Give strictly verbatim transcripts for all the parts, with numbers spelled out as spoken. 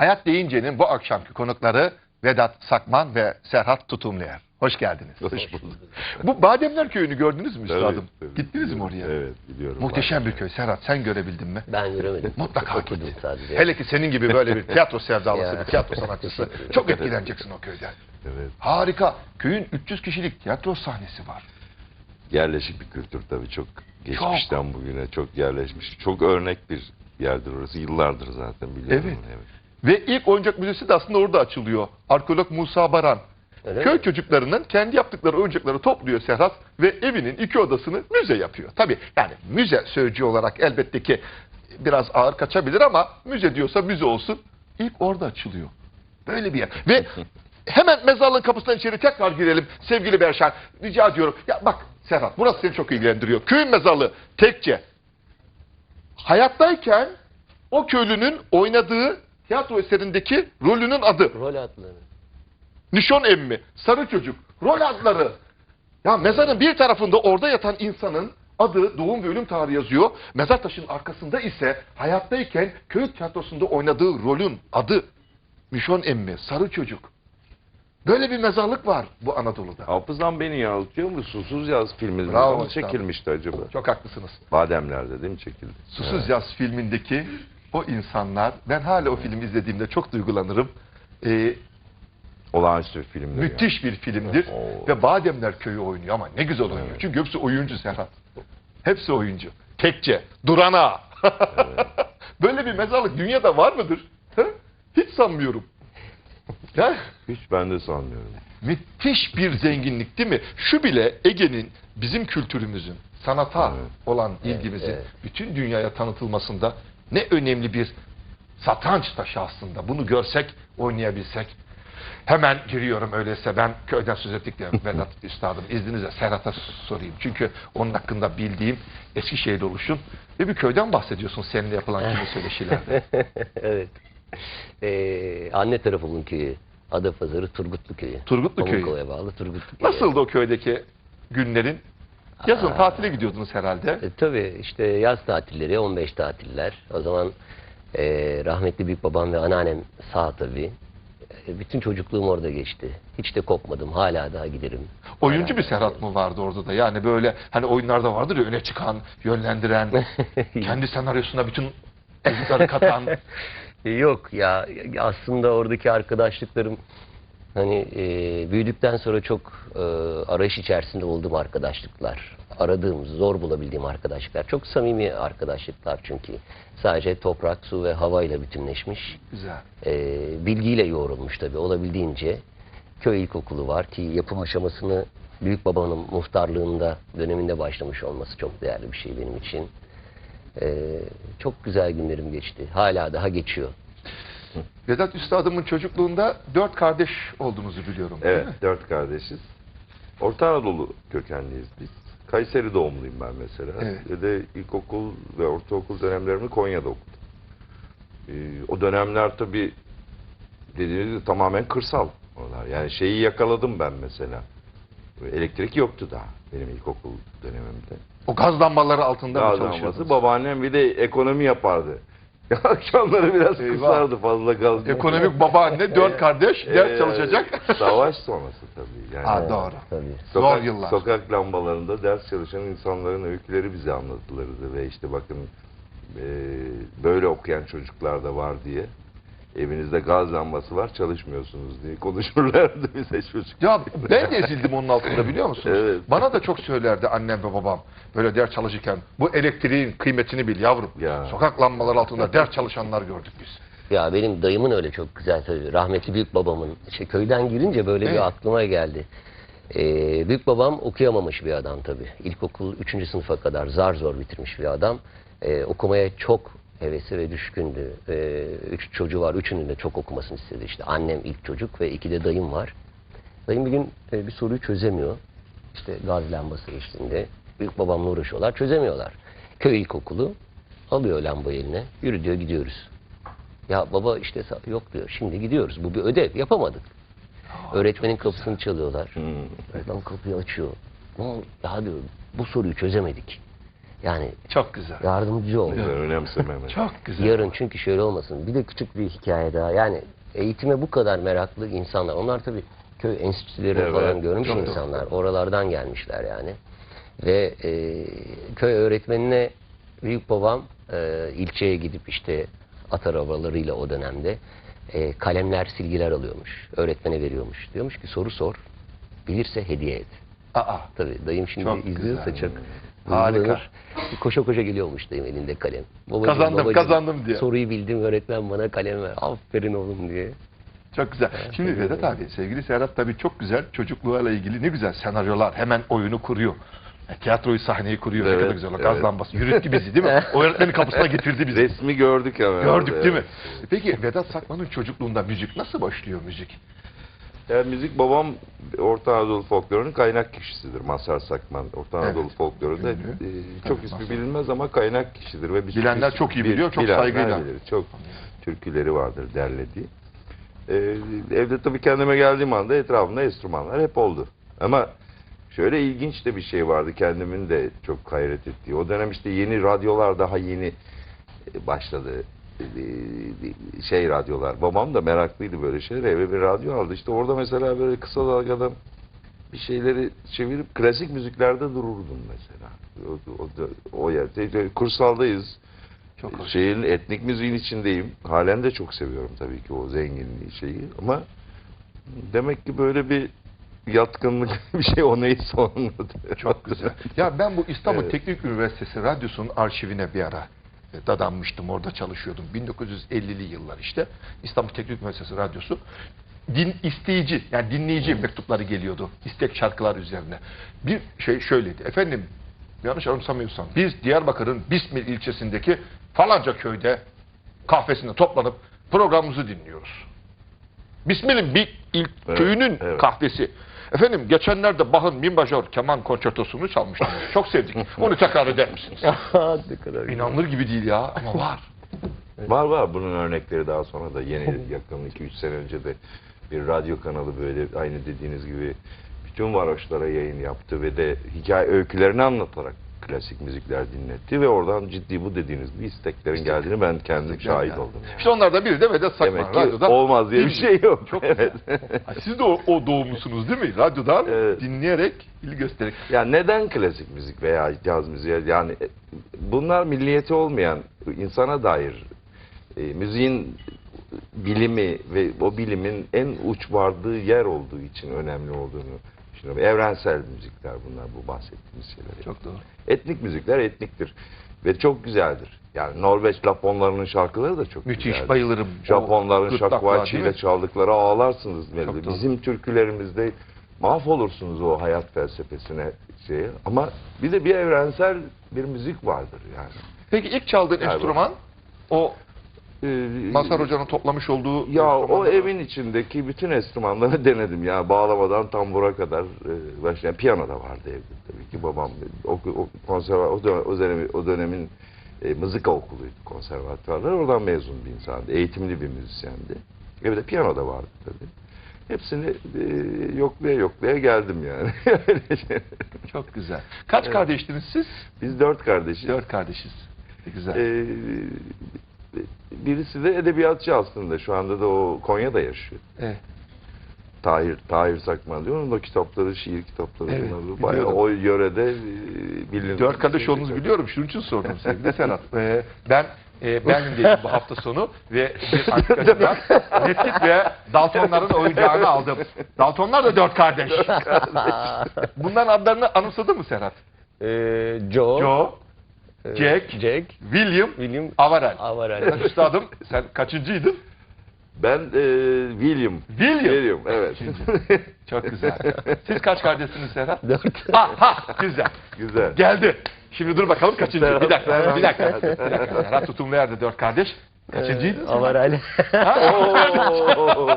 Hayat Deyince'nin bu akşamki konukları Vedat Sakman ve Serhat Tutumluer. Hoş geldiniz. Hoş bulduk. Bu Bademler Köyü'nü gördünüz mü üstadım? Evet, Gittiniz mi oraya? Evet, biliyorum. Muhteşem bir köy. Serhat, sen görebildin mi? Ben göremedim. Mutlaka Okudum git. sadece. Hele ki senin gibi böyle bir tiyatro sevdalısı, Ya. bir tiyatro sanatçısı. Çok etkileneceksin o köyden. Evet. Harika. Köyün üç yüz kişilik tiyatro sahnesi var. Yerleşik bir kültür tabii, çok geçmişten bugüne çok yerleşmiş. Çok örnek bir yerdir orası. Yıllardır zaten biliyorum. Evet. evet. Ve ilk oyuncak müzesi de aslında orada açılıyor. Arkeolog Musa Baran. Öyle Köy mi? çocuklarının kendi yaptıkları oyuncakları topluyor Serhat ve evinin iki odasını müze yapıyor. Tabii yani müze sözcüğü olarak elbette ki biraz ağır kaçabilir ama müze diyorsa müze olsun. İlk orada açılıyor. Böyle bir yer. Ve hemen mezarlığın kapısından içeri tekrar girelim sevgili Berşan. Rica ediyorum. Ya bak Serhat, burası seni çok ilgilendiriyor. Köyün mezarlığı tekçe. Hayattayken o köylünün oynadığı tiyatro eserindeki rolünün adı. Rol adları. Nişon emmi, sarı çocuk, rol adları. Ya mezarın bir tarafında orada yatan insanın adı, doğum ve ölüm tarihi yazıyor. Mezar taşının arkasında ise hayattayken köy tiyatrosunda oynadığı rolün adı. Nişon emmi, sarı çocuk. Böyle bir mezarlık var bu Anadolu'da. Hafızam beni yanıltıyor mu? Susuz Yaz filmi Bravo zaman üstadım. çekilmişti acaba? Çok haklısınız. Bademler'de değil mi çekildi? Susuz Yaz filmindeki o insanlar, ben hala o filmi izlediğimde çok duygulanırım. Ee, Olağanüstü bir filmdi. müthiş bir filmdir. Oo. Ve Bademler Köyü oynuyor ama ne güzel oynuyor. Evet. Çünkü hepsi oyuncu Serhat. Hepsi oyuncu. Tekçe, Durana. Böyle bir mezarlık dünyada var mıdır? Ha? Hiç sanmıyorum. Ya, Hiç ben de sanmıyorum. müthiş bir zenginlik değil mi? Şu bile Ege'nin, bizim kültürümüzün, sanata Evet. olan ilgimizin evet. bütün dünyaya tanıtılmasında ne önemli bir satranç taşı aslında. Bunu görsek, oynayabilsek. Hemen giriyorum öyleyse, ben köyden söz ettik de Vedat Üstadım izninizle Serhat'a sorayım. Çünkü onun hakkında bildiğim Eskişehir'de oluşun ve bir köyden bahsediyorsun seninle yapılan kimi söyleşilerde. Evet. Ee, anne tarafımın köyü. Adapazarı Turgutlu köyü. Turgutlu köyü. Pamukova'ya bağlı Turgutlu köyü. Nasıldı o köydeki günlerin? Yazın Aa. tatile gidiyordunuz herhalde. E, tabii işte yaz tatilleri, on beş tatiller. O zaman e, rahmetli büyük babam ve anneannem sağ tabii. E, bütün çocukluğum orada geçti. Hiç de kopmadım. Hala daha giderim. Oyuncu Hala bir daha Serhat mı vardı orada da? Yani böyle hani oyunlarda vardır ya, öne çıkan, yönlendiren, kendi senaryosuna bütün çocukları katan. Yok ya, aslında oradaki arkadaşlıklarım hani e, büyüdükten sonra çok e, arayış içerisinde olduğum arkadaşlıklar. Aradığım, zor bulabildiğim arkadaşlıklar. Çok samimi arkadaşlıklar çünkü. Sadece toprak, su ve havayla bütünleşmiş. Güzel. E, bilgiyle yoğrulmuş tabii olabildiğince. Köy ilkokulu var ki yapım aşamasını büyük babamın muhtarlığında döneminde başlamış olması çok değerli bir şey benim için. Ee, çok güzel günlerim geçti. Hala daha geçiyor. Vedat Üstadımın çocukluğunda dört kardeş olduğunuzu biliyorum. değil Evet, mi? dört kardeşiz. Orta Anadolu kökenliyiz biz. Kayseri doğumluyum ben mesela. Evet. Ve de ilkokul ve ortaokul dönemlerimi Konya'da okudum. Ee, o dönemler tabii dediğiniz gibi tamamen kırsal oralar. Yani şeyi yakaladım ben mesela. Elektrik yoktu daha benim ilkokul dönemimde. O gaz lambaları altında mı Gaz çalışıyordunuz? lambası. Babaannem bir de ekonomi yapardı. Akşamları biraz Eyvah. kısardı fazla gaz. Ekonomik babaanne, dört kardeş, ders Ee, çalışacak. Savaş sonrası tabii. Yani Ha, doğru. Tabii. Zor Sokak, yıllar. sokak lambalarında ders çalışan insanların öyküleri bize anlatılırdı ve işte bakın e, böyle okuyan çocuklar da var diye, evinizde gaz lambası var çalışmıyorsunuz diye konuşurlardı bize çocuk. Ya ben de ezildim onun altında, biliyor musunuz? Evet. Bana da çok söylerdi annem ve babam böyle ders çalışırken. Bu elektriğin kıymetini bil yavrum. Ya. Sokak lambaları altında ders çalışanlar gördük biz. Ya benim dayımın öyle çok güzel tabii. Rahmetli büyük babamın. İşte köyden girince böyle Evet. bir aklıma geldi. Ee, büyük babam okuyamamış bir adam tabii. İlkokul üçüncü sınıfa kadar zar zor bitirmiş bir adam. Ee, okumaya çok hevesi ve düşkündü. Ee, üç çocuğu var. Üçünün de çok okumasını istedi. İşte annem ilk çocuk ve iki de dayım var. Dayım bir gün e, bir soruyu çözemiyor. İşte gaz lambası eşliğinde. Büyük babamla uğraşıyorlar. Çözemiyorlar. Köy ilkokulu alıyor lambayı eline. Yürü diyor, gidiyoruz. Ya baba işte sa- yok diyor. Şimdi gidiyoruz. Bu bir ödev. Yapamadık. Öğretmenin kapısını çalıyorlar. Hmm. Öğretmen kapıyı açıyor. "Ne oldu? Ya diyor, bu soruyu çözemedik. Yani Çok güzel. yardımcı ol. Ben önemsemem. Çok güzel. Yarın çünkü şöyle olmasın. Bir de küçük bir hikaye daha. Yani eğitime bu kadar meraklı insanlar. Onlar tabii köy enstitüleri Evet, falan görmüş çok insanlar. Oralardan gelmişler yani. Ve e, köy öğretmenine büyük babam e, ilçeye gidip işte at arabalarıyla o dönemde e, kalemler, silgiler alıyormuş. Öğretmene veriyormuş. Diyormuş ki soru sor. Bilirse hediye et. Aa, Tabii dayım şimdi Çok izliyorsa güzel. çok Harika. duygulanır. Koşa koşa geliyormuş dayım elinde kalem. Babacığım, Kazandım, babacığım, kazandım diye. Soruyu bildim, öğretmen bana kalem ver. Aferin oğlum diye. çok güzel. Şimdi Vedat abi, sevgili Serhat tabii çok güzel çocukluğuyla ilgili ne güzel senaryolar. Hemen oyunu kuruyor. E, Tiyatroyu, sahneyi kuruyor. Ne Evet, kadar güzel. O evet. gaz lambası. Yürüttü bizi değil mi? O öğretmenin kapısına getirdi bizi. Resmi gördük hemen. Gördük orada, değil mi? evet. Peki Vedat Sakman'ın çocukluğunda müzik nasıl başlıyor müzik? Yani müzik babam Orta Anadolu folklorunun kaynak kişisidir. Mazhar Sakman. Orta Anadolu Evet. folklorunda Ünlü. e, Tabii, çok ismi Mazhar. bilinmez ama kaynak kişidir. Ve bir Bilenler sürü- çok iyi bil- biliyor, çok bilenler saygıyla. bilir. Çok türküleri vardır derlediği. E, evde tabii kendime geldiğim anda etrafımda enstrümanlar hep oldu. Ama şöyle ilginç de bir şey vardı kendimin de çok hayret ettiği. O dönem işte yeni radyolar daha yeni e, başladı. E, şey radyolar. Babam da meraklıydı böyle şeyler. Eve bir radyo aldı. İşte orada mesela böyle kısa dalgadan bir şeyleri çevirip klasik müziklerde dururdum mesela. O, o, o yerde. Kursaldayız. Çok hoş. Şeyin etnik müziğin içindeyim. Halen de çok seviyorum tabii ki o zenginliği şeyi. Ama demek ki böyle bir yatkınlık bir şey o neyse onunla. Çok güzel. Ya ben bu İstanbul Evet. Teknik Üniversitesi Radyosu'nun arşivine bir ara e, dadanmıştım. Orada çalışıyordum. bin dokuz yüz ellili yıllar işte. İstanbul Teknik Üniversitesi Radyosu. Din isteyici, yani dinleyici mektupları geliyordu. İstek şarkılar üzerine. Bir şey şöyleydi. Efendim, yanlış anımsamıyorsam, biz Diyarbakır'ın Bismil ilçesindeki falanca köyde kahvesinde toplanıp programımızı dinliyoruz. Bismil'in bir il, Evet, köyünün evet. kahvesi. Efendim geçenlerde Bach'ın mi majör keman konçertosunu çalmıştım. Çok sevdik. Onu tekrar eder misiniz? Ne kadar güzel. İnanılır gibi değil ya ama var. Var var bunun örnekleri daha sonra da yeni yakın iki üç sene önce de bir radyo kanalı böyle aynı dediğiniz gibi bütün varoşlara yayın yaptı ve de hikaye öykülerini anlatarak klasik müzikler dinletti ve oradan ciddi bu dediğiniz gibi isteklerin geldiğini ben kendim şahit Yani. oldum. Yani. İşte onlardan biri de Vedat Sakman. Demek ki Radyoda olmaz diye bir şey yok. Çok Evet. Ha, siz de o, o doğumlusunuz değil mi? Radyodan Evet. dinleyerek, ilgi göstererek. Yani neden klasik müzik veya caz müziği? Yani e, bunlar milliyeti olmayan insana dair e, müziğin bilimi ve o bilimin en uç vardığı yer olduğu için önemli olduğunu düşünüyorum. Evrensel müzikler bunlar, bu bahsettiğimiz şeyler. Çok doğru. Etnik müzikler etniktir ve çok güzeldir. Yani Norveç Japonlarının şarkıları da çok Müthiş, güzeldir. bayılırım. Japonların O gırtlaklar, şakvaçı değil ile mi? çaldıkları ağlarsınız. Çok doğru. Bizim türkülerimizde mahvolursunuz o hayat felsefesine şeye. Ama bir de bir evrensel bir müzik vardır yani. Peki ilk çaldığın Galiba. enstrüman o Ee, Mazhar Hoca'nın toplamış olduğu Ya o enstrümanlar mı? evin içindeki bütün enstrümanları denedim ya, bağlamadan tambura kadar e, başlayan piyano da vardı evde tabii ki. Babam o, o konserva o, dönem, o, dönemin, o dönemin e, mızıka okuluydu, konservatuvarlar, oradan mezun bir insandı, eğitimli bir müzisyendi. Evde piyano da vardı tabii. Hepsini e, yoklaya yoklaya geldim yani. Çok güzel. Kaç Evet. kardeştiniz siz? Biz dört kardeşiz. Dört kardeşiz. Ne güzel. Ee, birisi de edebiyatçı aslında. Şu anda da o Konya'da yaşıyor. Evet. Tahir, Tahir Sakman diyor. Onun da kitapları, şiir kitapları. Evet, bunlar bayağı biliyordum. o yörede e, bilinir. Dört kardeş olduğunuzu biliyorum. Şunun için sordum sevgili Serhat. Ee, ben e, Berlin'deydim bu hafta sonu ve bir arkadaşımdan Redkit ve Daltonların oyuncağını aldım. Daltonlar da dört kardeş. Bunların adlarını anımsadın mı Serhat? Ee, Joe, Joe, e, Jack, Jack, William, William, Avarel. Avarel. Sen üstadım, sen kaçıncıydın? Ben e, William. William. William, evet. Çok güzel. Siz kaç kardeşsiniz Serhat? Dört. Ha ha, güzel. Güzel. Geldi. Şimdi dur bakalım kaçıncı? Bir dakika, Serhat, bir dakika. Serhat. Bir dakika. Serhat tutumlu yerde dört kardeş. Kaçıncıydın? sen? Avarel. Oo.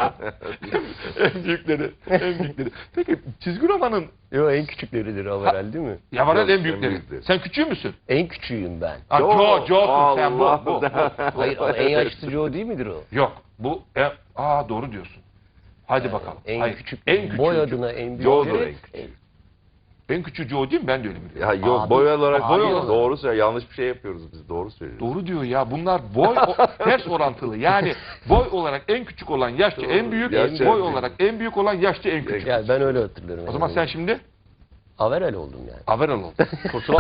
En büyükleri, en büyükleri. Peki çizgi romanın Yo, en küçükleridir Avarel değil mi? Yavarel Yok, en en büyükleri. büyükleri. Sen küçüğü müsün? En küçüğüyüm ben. Ha, Joe. Joe, Joe'sun sen bu, Allah. bu, bu. Hayır ama en yaşlısı Joe değil midir o? Yok, bu, en, aa doğru diyorsun. Hadi bakalım. En Hayır, küçük, en küçüğü. boy adına en büyük. Joe'dur en küçük. En küçücü o değil mi? Ben de öyle biliyorum. Ya yok Abi, boy olarak abi boy olarak. doğru söylüyor. Yanlış bir şey yapıyoruz biz. Doğru söylüyoruz. Doğru diyor ya. Bunlar boy o- ters orantılı. Yani boy olarak en küçük olan yaşça en büyük, Yaşça boy en büyük. olarak en büyük olan yaşça en küçük. Yani ben öyle hatırlıyorum. O zaman yani. sen şimdi Averel oldum yani. Averal oldun. Kusura